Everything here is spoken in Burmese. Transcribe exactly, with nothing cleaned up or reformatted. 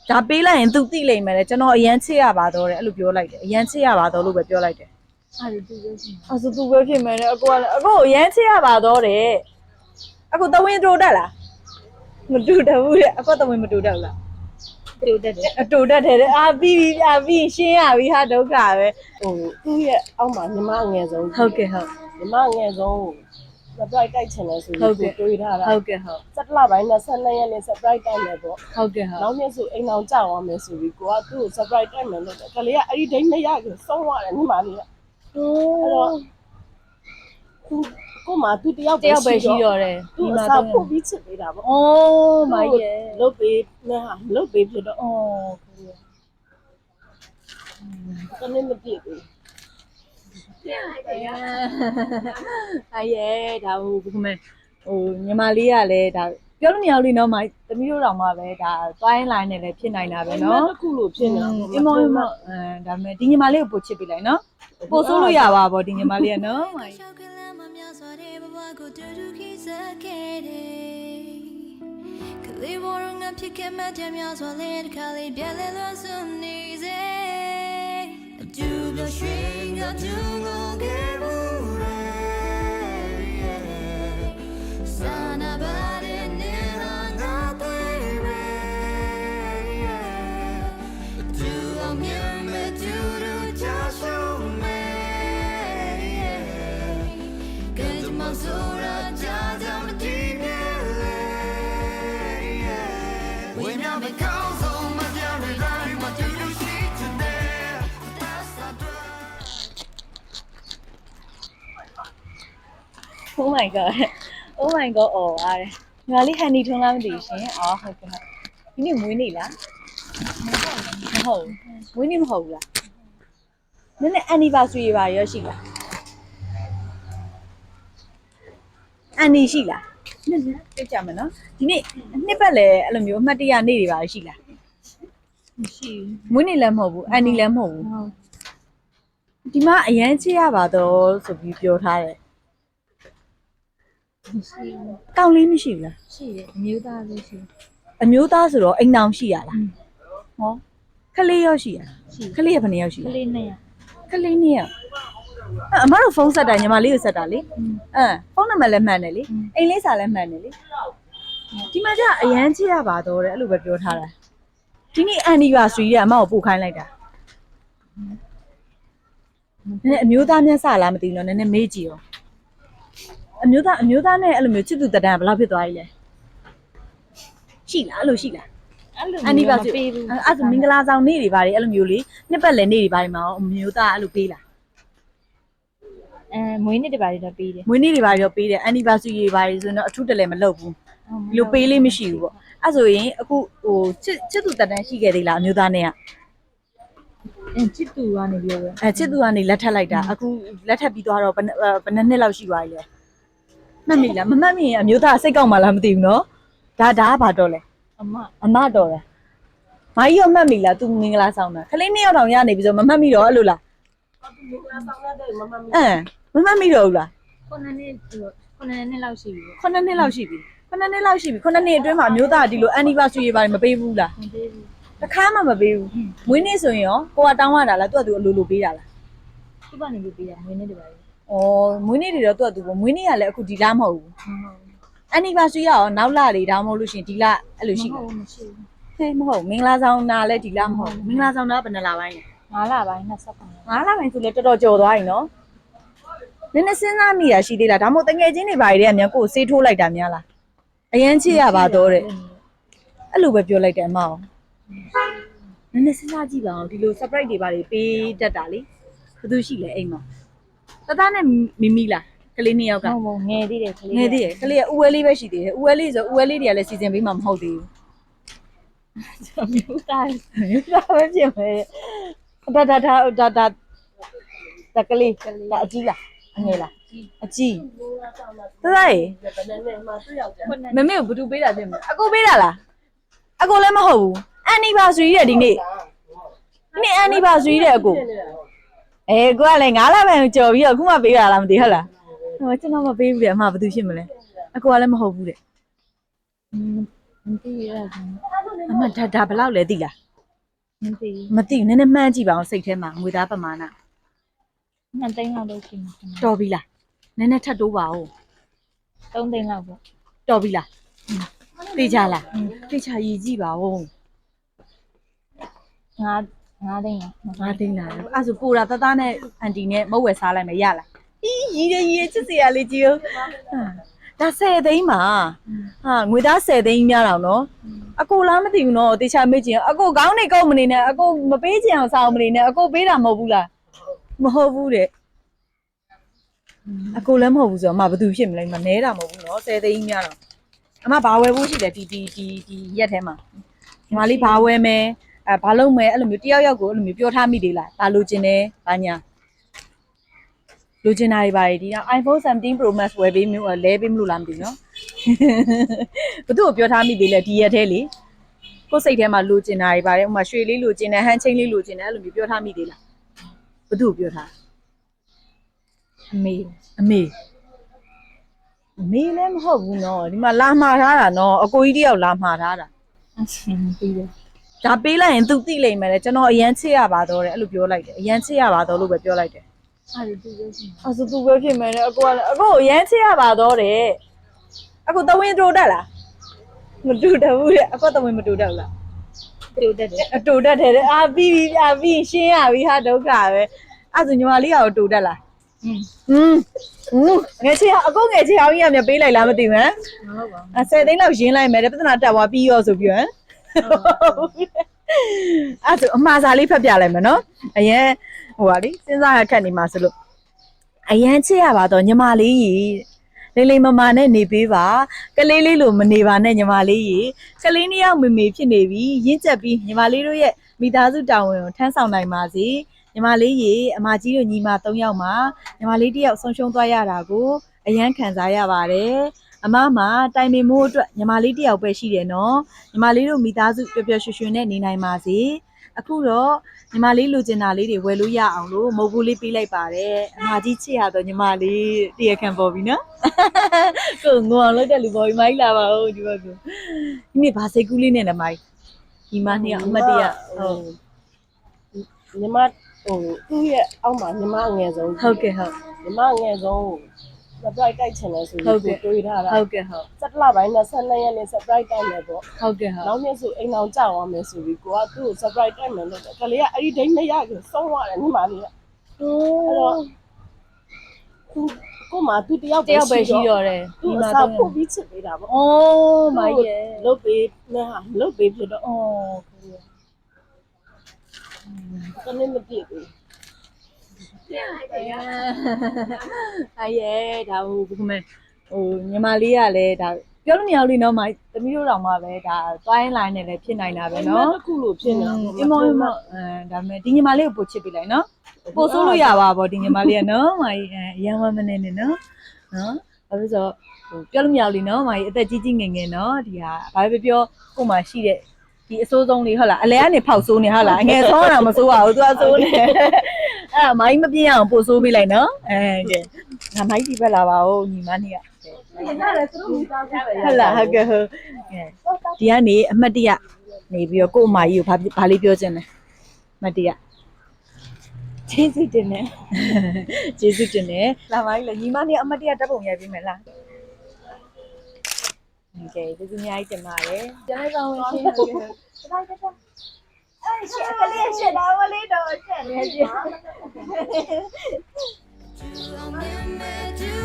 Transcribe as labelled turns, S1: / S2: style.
S1: ဒါပေးလိုက်ရင်သူသိလိမ့်မယ်လေကျွန်တော်အရန်ချစ်ရပါတော့တယ်အဲ့လိုပြောလိုက်တယ်အရန်ချစ်ရပါတော့လို့ပဲပြောလိုက်တယ်အဲ့ဒါသူပဲဖြစ်အဲ့ဆိုသူပဲဖြစ်မယ်လေအကိုကလည်းအကိုအရန်ချစ်ရပါတော့တယ်အကိုတဝင်းတူတက်လားမတူတယ်ဘူးလေအကိုတဝင်းမတူတယ်လားတူတက်တယ်အတူတက်တယ်အာပြီးပြီးအာပြီးရှင်းရပြီဟာဒုက္ခပဲ
S2: ဟိုသူ့ရဲ့အောက်မှာညီမအငယ်ဆုံး
S1: ဟုတ်ကဲ့ဟုတ်
S2: ညီမအငယ်ဆုံး surprise တိုက်ချင်တယ်ဆိုပြီးတွေးထားတာ
S1: ဟုတ်ကဲ့ဟုတ်
S2: စက်လပိုင်းနဲ့ဆက်နှစ်ရက်နဲ့ surprise တိုက်မယ်ပေါ့
S1: ဟုတ်ကဲ့ဟုတ်
S2: နောက်နေ့ဆိုအိမ်အောင်ကြောက်အောင်မယ်ဆိုပြီးကိုကသူ့ကို surprise တိုက်မယ်လို့ကလေးကအဲ့ဒီဒိတ်မရဘူးဆုံးသွားတယ်ညီမလေးကဟိုအဲ့တော့သူကိုမှသူတယောက်
S1: တယောက်ပဲရှိတော့တယ်
S2: ဒီမှာတော့ပို့ပြီးချစ်ပေးတာပေါ့
S1: အိုးမိုင်းရဲ့
S2: လုတ်ပေးနဲ့ဟာလုတ်ပေးဖြစ်တော့
S1: အော်
S2: ကနေ့မပြည့်ဘူး
S1: အဲ့ရဲ့ဒါဟိုဘယ်လိုလဲဟိုညီမလေးကလည်းဒါပြောလို့မရဘူးလေနော်မိုင်းသမီးတို့တောင်မှပဲဒါသွားရင်လိုင်းနဲ့လည်းဖြစ်နိုင်တာပဲနော်
S2: တစ်ခုလို့ဖြစ်နေတာ
S1: အမောအမောအဲဒါမဲ့ဒီညီမလေးကိုပို့ချစ်ပေးလိုက်နော်ပို့ဆိုးလို့ရပါဗောဒီညီမလေးကနော်မိုင်းလေးဘောရငါဖြစ်ခဲ့မှတည်းများစွာလေးတစ်ခါလေးပြက်လဲလို့စွန်နေစေအကျူပြရွှင်ကကျူကိုခဲ့ဘူးရဲစာနာပါတဲ့နေရာငါတွေ့ရဲအကျူအောင်မြင်မဲ့ကျူတို့ချရှုံးမဲ့ကဲကြမဆိုးရကြကြမတည်မြဲOh my god. Oh my god. အော်အားတယ်။ငါလေးဟန်နီထုံးလားမသိဘူးရှင်။အော်ဟုတ်ကဲ့ဟုတ်။ဒီနေ့မွေးနေ့လား။မဟုတ်ဘူး။မွေးနေ့မဟုတ်ဘူးလား။နည်းနည်း anniversary ပါရောရှိလား။ anni ရှိလား။နည်းနည်းပြကြမယ်နော်။ဒီနေ့နှစ်ပတ်လည်းအဲ့လိုမျိုးအမှတ်တရနေ့တွေပါရှိလား။မရှိဘူး။မွေးနေ့လည်းမဟုတ်ဘူး။ anni လည်းမဟုတ်ဘူး။ဒီမှာအရန်ချစ်ရပါတော့ဆိုပြီးပြောထားတယ်။မရှိဘူး။ကောင်းလေးမရှိဘူးလား
S3: ။ရှိတယ်အမျိုးသားလေးရှိ
S1: ။အမျိုးသားဆိုတော့အိမ်အောင်ရှိရလား။ဟောခလေးရောရှိရလား။
S3: ရှိ
S1: ခလေးကဘယ်နှစ်ယောက်ရှိလဲ
S3: ။ကလေးနဲ့
S1: ။ကလေးနှစ်ယောက်။အမတို့ဖုန်းဆက်တာညီမလေးကိုဆက်တာလေ။အဲဖုန်းနံပါတ်လည်းမှန်တယ်လေ။အိမ်လေးစာလည်းမှန်တယ်လေ။ဒီမှာကျအရန်ချစ်ရပါတော့တယ်အဲ့လိုပဲပြောထားတာ။ဒီနေ့ anniversary ကအမကိုပို့ခိုင်းလိုက်တာ။နည်းနည်းအမျိုးသားမျက်စလားမသိဘူးနော်နည်းနည်းမေးကြည့်ရောအမျိုးသားအမျိုးသားနဲ့အဲ့လိုမျိုးချစ်သူတတန်းဘယ်လောက်ဖြစ်သွားပြီလဲရှိလားအဲ့လိုရှိလား
S3: အဲ့လိုမျိုးမပေးဘူး
S1: အဲ့ဆိုမင်္ဂလာဆောင်နေ့တွေပါတယ်အဲ့လိုမျိုးလေနှစ်ပတ်လည်နေ့တွေပါတယ်မှာအမျိုးသားအဲ့လိုပေးလား
S3: အဲမွေးနေ့တွေပါတယ်တော့ပေးတယ်
S1: မွေးနေ့တွေပါတယ်တော့ပေးတယ် anniversary တွေပါတယ်ဆိုတော့အထူးတလည်းမလုပ်ဘူးဒီလိုပေးလေးမရှိဘူးပေါ့အဲ့ဆိုရင်အခုဟိုချစ်ချစ်သူတတန်းရှိခဲ့သေးလားအမျိုးသားနဲ့က
S3: အချစ်သူကနေပြောပဲ
S1: အဲချစ်သူကနေလက်ထပ်လိုက်တာအခုလက်ထပ်ပြီးသွားတော့ဘယ်ဘယ်နှစ်လောက်ရှိသွားပြီလဲမှတ်မိလားမမှတ်မိရင်အမျိုးသားစိတ်ကောက်မှလားမသိဘူးနော်ဒါဒါကဘာတော့လဲ
S3: အမ
S1: အမတော်တယ်မကြီးရောမှတ်မိလား तू မင်္ဂလာဆောင်တာခလေးနှစ်ယောက်တောင်ရနေပြီဆိုမမှတ်မိတော့အဲ့လိုလား
S2: မင်္ဂလာဆောင်တဲ့မမမီ
S1: အဲမမှတ်မိတော့ဘူးလား
S3: ခုနှစ်နှစ်ခုနှစ်နှစ်လောက်ရှိပြီ
S1: ခုနှစ်နှစ်လောက်ရှိပြီခုနှစ်နှစ်လောက်ရှိပြီခုနှစ်နှစ်အတွင်းမှာအမျိုးသားဒီလို anniversary တွေမပေးဘူးလား
S3: မပေးဘူး
S1: တခါမှမပေးဘူးမွေးနေ့ဆိုရင်ရောကိုကတောင်းရတာလားသူကသူအလိုလိုပေးတာလား
S3: သူ့ကနေပေးတာမွေးနေ့တွေပါလေ
S1: ဩမွေးနေ့တွေတော့သူကသူပေါ့မွေးနေ့ကလည်းအခုဒီလမဟုတ်ဘူးanniversary ရောနောက်လတွေဒါမှမဟုတ်လို့ရှင်ဒီလအဲ့လိုရှိ
S3: တယ်မရှိဘူး
S1: ဟဲ့မဟုတ်မင်္ဂလာဆောင်နာလည်းဒီလမဟုတ်မင်္ဂလာဆောင်နာဘယ်နှလပိုင်းလဲ
S3: ငါးလပိုင်းနှစ်ဆက်ပိုင်း
S1: ငါးလပိုင်းဆိုလည်းတော်တော်ကြော်သွားပြီနော်နည်းနည်းစဉ်းစားမိတာရှိသေးလားဒါမှမဟုတ်တငယ်ချင်းတွေဘာတွေတည်းအများကိုစေးထိုးလိုက်တာများလားအရင်ချစ်ရပါတော့တဲ့အဲ့လိုပဲပြောလိုက်တယ်အမအောင်နည်းနည်းစဉ်းစားကြည့်ပါအောင်ဒီလို surprise တွေဘာတွေပေးတတ်တာလေဘယ်သူရှိလဲအိမ်မှာတသားနဲ့မိမိလားကလေးနှစ်ယောက်က
S3: ဟုတ်ဟုတ်ငယ်သေးတယ်ကလေး
S1: ငယ်သေးတယ်ကလေးကဥဝဲလေးပဲရှိသေးတယ်ဥဝဲလေးဆိုဥဝဲလေးတွေကလည်းစီစဉ်ပေးမှမဟုတ်သေး
S3: ဘူးမျိုးသား
S1: မျိုးသားပဲပြင်မယ်ဒါဒါဒါဒါဒါတကလေးဒါအကြီးလားအငယ်လားအကြီးသသားရေ
S2: ဘယ်နဲ့နဲ့မှသူ့ယောက်ျား
S1: မမေကိုဘသူပေးတာပြင်မလဲအကိုပေးတာလားအကိုလည်းမဟုတ်ဘူး anniversary တဲ့ဒီနေ့ဒီနေ့ anniversary တဲ့အကိုအဲကိုကလည်းငါးလပိုင်းကြော်ပြီးတော့အခုမှပေးတာလားမသိဟုတ်လားဟိုကျွန်တော်မပေးဘူးလေအမဘာသူဖြစ်မလဲအကိုကလည်းမဟုတ်ဘူးတဲ့
S3: မသိရဘူး
S1: အမဒါဒါဘယ်လောက်လဲသိလား
S3: မသိ
S1: မသိဘူးနည်းနည်းမှန်းကြည့်ပါအောင်စိတ်ထဲမှာငွေသားပမာဏ
S3: နှစ်သိန်းလောက်တော့ရှိမှာ
S1: တော်ပြီလားနည်းနည်းထပ်တိုးပါဦး
S3: သုံးသိန်းလောက်ပေါ့
S1: တော်ပြီလားသိကြလားသိချာရည်ကြည့်ပါဦး
S3: ငါးငါးသိန်းလား
S1: ငါသိလားအဲ့ဆိုပူတာတသားနဲ့အန်တီနဲ့မုတ်ဝယ်စားလိုက်မယ်ရလားအီးရီးရရီးချစ်စရာလေးကြည့်ဦးဒါဆယ်သိန်းပါဟာငွေသားဆယ်သိန်းများတော့နော်အကိုလားမသိဘူးနော်တေချာမေ့ချင်အကိုကောင်းနေကောင်းမနေနဲ့အကိုမပေးချင်အောင်စောင်းမနေနဲ့အကိုပေးတာမဟုတ်ဘူးလားမဟုတ်ဘူးတဲ့အကိုလည်းမဟုတ်ဘူးဆိုတော့အမဘာသူဖြစ်မလဲမနဲတာမဟုတ်ဘူးနော်ဆယ်သိန်းများတော့အမဘာဝယ်ဖို့ရှိတယ်ဒီဒီဒီဒီရက်ထဲမှာညီမလေးဘာဝယ်မယ်အဲဘာလုပ်မယ်အဲ့လိုမျိုးတယောက်ယောက်ကိုအဲ့လိုမျိုးပြောထားမိသေးလားဒါလိုချင်တယ်ဘာညာလိုချင်တာတွေပါဒီတော့ iPhone seventeen Pro Max ဝယ်ပေးမျိုးလဲပေးမလို့လားမသိဘူးနော်ဘသူ့ကိုပြောထားမိသေးလဲဒီရက်ထဲလေကိုယ်စိတ်ထဲမှာလိုချင်တာတွေပါတယ်ဥမာရွှေလေးလိုချင်တယ်ဟန်ချင်းလေးလိုချင်တယ်အဲ့လိုမျိုးပြောထားမိသေးလားဘသူ့ကိုပြောထား
S3: အမေ
S1: အမေအမေလည်းမဟုတ်ဘူးနော်ဒီမှာလာမှားထားတာနော်အကိုကြီးတယောက်လာမှားထားတာ
S3: အဆင်ပြေတယ်
S1: ဒါပေးလိုက်ရင် तू သိလိမ့်မယ်လေကျွန်တော်အရန်ချစ်ရပါတော့တယ်အဲ့လိုပြောလိုက်တယ်အရန်ချစ်ရပါတော့လို့ပဲပြောလိုက်တယ်
S3: အဲ့ဒီသူပြောစီ
S1: အဲ့ဆို तू ပဲဖြစ်မယ်လေအကိုကလည်းအကိုအရန်ချစ်ရပါတော့တယ်အကိုတဝင်းတူတက်လားမတူတဘူးတဲ့အကိုတဝင်းမတူတက်ဘူးလား
S3: တူတက်တယ်
S1: အတူတက်တယ်အာပြီးပြီအာပြီးရှင်းရပြီဟာဒုက္ခပဲအဲ့ဆိုညီမလေးကတူတက်လား
S3: อืม
S1: อืมอืมငယ်ချစ်အကိုငယ်ချစ်အောင်ကြီးကမြပေးလိုက်လားမသိဘူးဟမ်
S3: မဟုတ်ပါဘူး
S1: အဆယ်သိန်းလောက်ရင်းလိုက်မယ်တဲ့ပြဿနာတက်သွားပြီးရောဆိုပြီးဟမ်အဲ့ဒါအမှားစားလေးဖတ်ပြလိုက်မယ်နော်အရင်ဟိုပါလေစဉ်းစားရခက်နေမှာဆိုလို့အရင်ချစ်ရပါတော့ညီမလေးကြီးလေးလေးမမနဲ့နေပေးပါကလေးလေးလိုမနေပါနဲ့ညီမလေးကြီးကလေးနှစ်ယောက်မေမေဖြစ်နေပြီရင့်ကျက်ပြီးညီမလေးတို့ရဲ့မိသားစုတာဝန်ကိုထမ်းဆောင်နိုင်ပါစေညီမလေးကြီးအမကြီးတို့ညီမသုံးယောက်မှာညီမလေးတစ်ယောက်ဆုံးရှုံးသွားရတာကိုအရန်ခံစားရပါတယ်အမမှာတိုင်ပင်မိုးအတွက်ညီမလေးတယောက်ပဲရှိတယ်နော်ညီမလေးတို့မိသားစုပျော်ပျော်ရွှင်ရွှင်နဲ့နေနိုင်ပါစေအခုတော့ညီမလေးလိုချင်တာလေးတွေဝယ်လို့ရအောင်လို့မုတ်ဘူးလေးပေးလိုက်ပါတယ်အမကြီးချစ်ရတော့ညီမလေးတရခံပေါ်ပြီနော်ကိုငေါအောင်လုပ်တဲ့လူပေါ်ပြီမိုင်းလာပါဦးဒီဘက်ကဒီနေ့ဗာစိတ်ကူးလေးနဲ့လည်းမိုင်းဒီမနှစ်ယောက်အမတ်တရဟုတ်
S2: ညီမဟိုသူ့ရဲ့အောက်မှာညီမအငယ်ဆုံး
S1: ဟုတ်ကဲ့ဟုတ်
S2: ညီမအငယ်ဆုံး surprise တိုက်ချင်တယ်ဆိုပြီးကိုတွေးထားတာ
S1: ဟုတ်ကဲ့ဟုတ်
S2: စက်လပိုင်းနဲ့ဆက်နှစ်ရက်နဲ့ surprise တိုက်မယ်ပေါ့
S1: ဟုတ်ကဲ့ဟုတ်
S2: နောက်နေ့ဆိုအိမ်အောင်ကြောက်သွားမယ်ဆိုပြီးကိုကသူ့ကို surprise တိုက်မယ်လို့ကလေးကအဲ့ဒီဒိတ်မရခင်ဆုံးသွားတယ်ညီမလေးက
S1: ဟို
S2: အဲ့တော့သူကိုမသူတယောက်
S1: တယောက်ပဲရှိတော့တယ်
S2: သူ
S1: ဒီ
S2: အ
S1: မှာ
S2: စာ
S1: တော့
S2: ဖို့ပြီးချစ်နေတာပေါ့
S1: အိုးမိုင်းရဲ့
S2: လုတ်ပေးနဲ့ဟာလုတ်ပေးဖြစ်တော့
S1: အော်
S2: တနေ့မပြည့်ဘူး
S1: အဲ့ရဲ့ဒါဟိုဘယ်လိုမဲဟိုညီမလေးကလည်းဒါပြောလို့မရဘူးလေနော်မိုင်းသမီးတို့တောင်မှပဲဒါသွားရင်လိုင်းနဲ့လည်းဖြစ်နိုင်တာပဲနော်
S2: တစ်ခုလို့ဖြစ်နေတာ
S1: အင်းမောအင်းမောအဲဒါပေမဲ့ဒီညီမလေးကိုပို့ချစ်ပေးလိုက်နော်ပို့ဆိုးလို့ရပါဘောဒီညီမလေးကနော်မိုင်းအဲအရန်ဝမ်းမနေနဲ့နော်နော်ဘာလို့ဆိုဟိုပြောလို့မရဘူးလေနော်မိုင်းအသက်ကြီးကြီးငယ်ငယ်နော်ဒီဟာဘာပဲပြောကို့မှာရှိတဲ့ဒီအစိုးဆုံးလေးဟုတ်လားအလဲကနေဖောက်ဆိုးနေဟုတ်လားအငယ်ဆုံးတာမဆိုးပါဘူးသူကဆိုးနေအဲ့ဒါမိုင်းမပြင်းအောင်ပို့ဆိုးပေးလိုက်နော်အဲကဲငါမိုင်းဒီဘက်လာပါဦးညီမနှစ်က
S2: ရတယ်သူတို့မိသားစုပဲ
S1: ဟုတ်လားဟုတ်ကဲ့ဟုတ်ဒီကနေအမှတ်တရနေပြီးတော့ကို့အမကြီးကိုဘာဘာလေးပြောချင်လဲအမှတ်တရ
S3: ကျေးဇူးတင်တယ်
S1: ကျေးဇူးတင်တယ်လာပါလေညီမလေးအမှတ်တရတက်ပုံရိုက်ပေးမယ်လားโอเคကျေးဇူးအများကြီးတင်ပါတယ်ပြန်လိုက်ပါဦးရှင်ဟုတ်ကဲ့အဲ့ရှက်ကလေးရှက်တာဝလေးတော့ရှက်နေကြ
S4: Do I remember do